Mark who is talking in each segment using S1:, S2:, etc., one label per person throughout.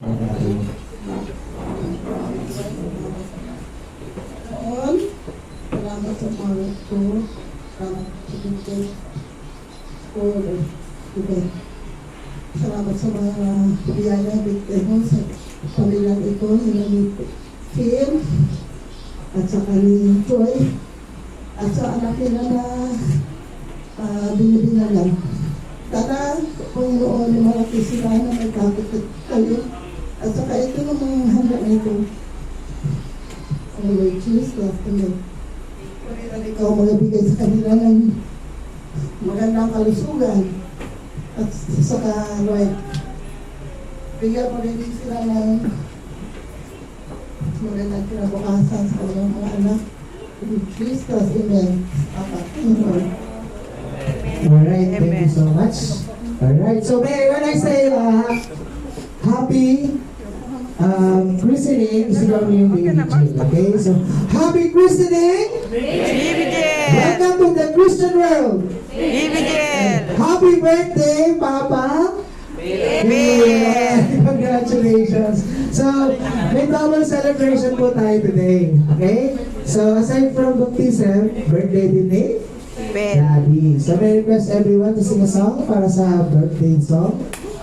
S1: Noon, salamat sa mga ko, salamat sa Bintay School event. Salamat sa mga biyaya, Bintay mo, sa pamilyang ito, ni Phil, at sa kanyang Joy, at sa anak nila na binibinalan. Tara, Panginoon, malaki sila na may kapit kayo. At saka ito ng mga handa na ito. Ang Lord Jesus, love to me. Panginoon, ikaw magabigay sa kanila ng magandang kalusugan. At saka, Lord, bigyan mo rin sila ng magandang kinabukasan sa kanilang mga anak. In Jesus, amen. Amen.
S2: Alright, thank you so much. Alright, so when I say happy christening, isigaw niyo yung baby Jill, okay? So, happy christening!
S3: Baby Jill!
S2: Welcome to the Christian world!
S3: Baby Jill!
S2: Happy birthday, Papa!
S3: Baby!
S2: Congratulations! So, may double celebration po tayo today, okay? So, aside from baptism, birthday din eh?
S3: Ben.
S2: Daddy. So, may request everyone to sing a song para sa birthday song.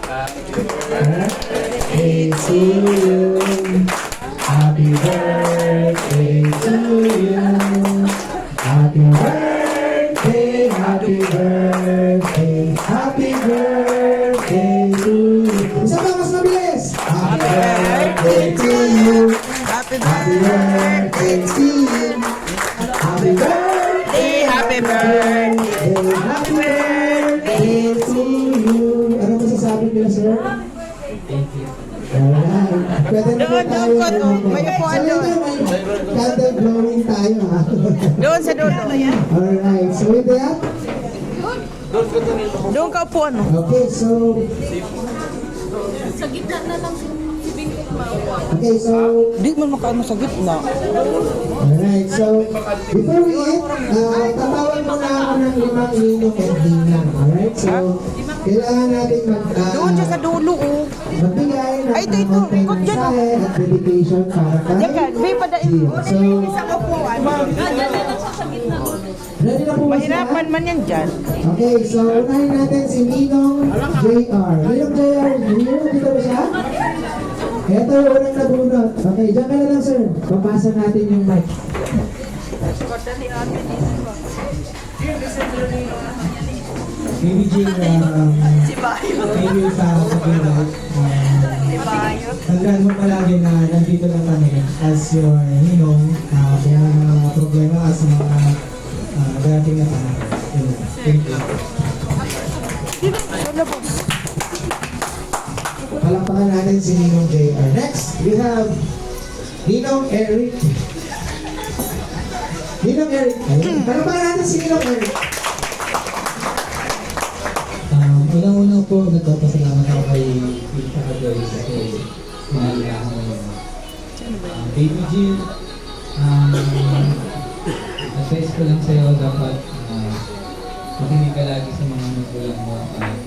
S2: Birthday to you. Happy birthday to you. Happy birthday, happy birthday, happy birthday to you. Isa pa, mas mabilis. Happy birthday to you.
S3: Happy
S2: Happy birthday to you. Happy birthday.
S3: Happy birthday!
S2: Happy birthday to you. Ano masasabi niyo, sir?
S4: Thank you.
S2: Alright. Pwede na po tayo.
S3: May upuan
S2: So,
S3: doon.
S2: may candle blowing tayo, ha?
S3: Doon sa dulo.
S2: Alright. So, with that,
S3: Doon ka upuan. No?
S2: okay, so... Okay, so...
S3: Di mo makaano sa gitna.
S2: Alright, so before we eat, tatawag muna ako ng 5 ninong and ninang. Alright, so kailangan natin
S3: Doon siya sa dulo. Oh.
S2: magbigay ng
S3: Ay, ito,
S2: konting
S3: ikot dyan, oh.
S2: mensahe at dedication para kay
S3: Diyan, may padain.
S2: Jill. So, ready na po ba sila?
S3: Mahirapan man yan dyan.
S2: Okay, so unahin natin si Ninong JR. Ninong JR, Ninong, dito ba siya? Ito yung unang nabunot. Okay, dyan ka na lang, sir. Papasa natin yung mic. Baby Jill, thank you sa pag-invite. Tandaan mo palagi na nandito lang kami as your ninong kung may mga problema as mga darating na panahon. Thank you. Palakpakan natin si Ninong JR. Next, we have Ninong Eric. Ninong Eric. Ayun. Palakpakan natin si Ninong Eric.
S4: Unang-una po, nagpapasalamat ako kay Pinta Kadoy kasi pinalihan mo yung Baby Jill. Advice ko lang sa'yo, dapat makinig ka lagi sa mga magulang mo.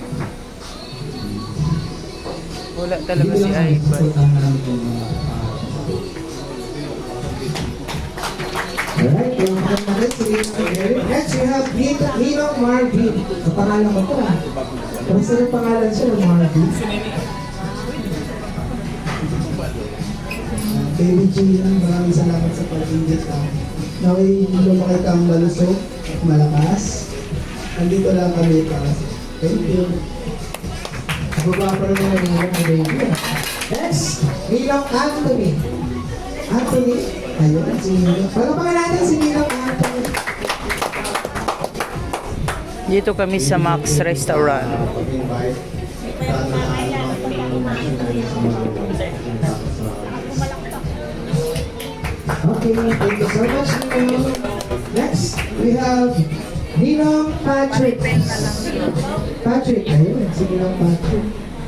S3: Wala talaga
S4: Dito
S3: si
S4: lang
S3: Ivan.
S4: supportahan namin yung mga
S2: Alright, yung natin si Ninong Eric. Next, we have Ninong Marvin. Ang pangalan ko ito. Basta yung pangalan siya, Marvin. Baby Jill, maraming salamat sa pag-invite ka. Naway lumaki kang malusog, malakas. Nandito lang kami para sa thank you. Baba pa rin naman yung baby. Next, Ninong Anthony. Anthony, ayun, si Ninong. Palapakan natin si Ninong Anthony.
S3: Dito kami sa Max Restaurant.
S2: Okay, thank you so much, Ninong. Next, we have Ninong Patrick. Patrick, ayun, si Ninong Patrick.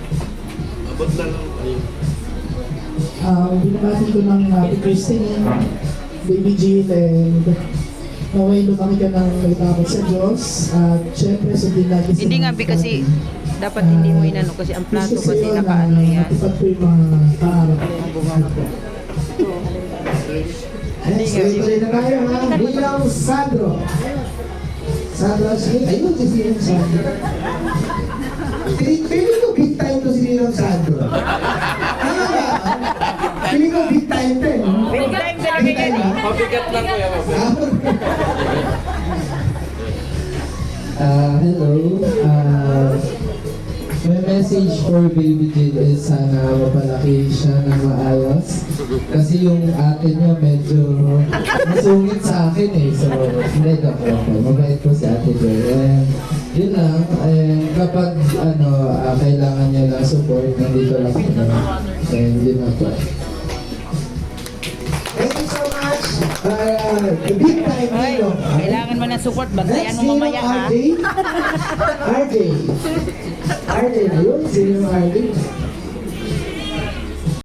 S5: Binabati ko ng Happy Christening, Baby Jill, and naway lumaki ka ng may takot sa Diyos. At syempre, sundin natin sa
S3: Hindi nga,
S5: mga
S3: kasi
S5: kapatid.
S3: Dapat hindi mo inano kasi ang plato kasi nakaano yan.
S5: Matupad po yung mga kaarap.
S3: Ang bunga ko.
S2: Next, tuloy na tayo ha. Bilang Sandro. Sandro, sige. Ayun, si Ninong Sandro. Feeling ko big time to si Ninong Sandro. Ano ba? Feeling ko big time to eh.
S3: Big time talaga
S2: Big time
S3: yan.
S2: ha?
S6: Mabigat lang kuya, mabigat.
S4: Hello. My message for Baby Jade is sana mapalaki siya ng maayos. Kasi yung ate niya medyo masungit sa akin eh. So, hindi ka po. Mabait po si ate Joy. And yun lang. And kapag kailangan niya lang support, nandito lang po na. And yun lang po.
S2: Thank you so much. Big time
S3: Ay,
S2: Ninong.
S3: kailangan mo ng support. Bantayan mo mamaya ha.
S2: RJ. RJ na yun. Sino yung RJ?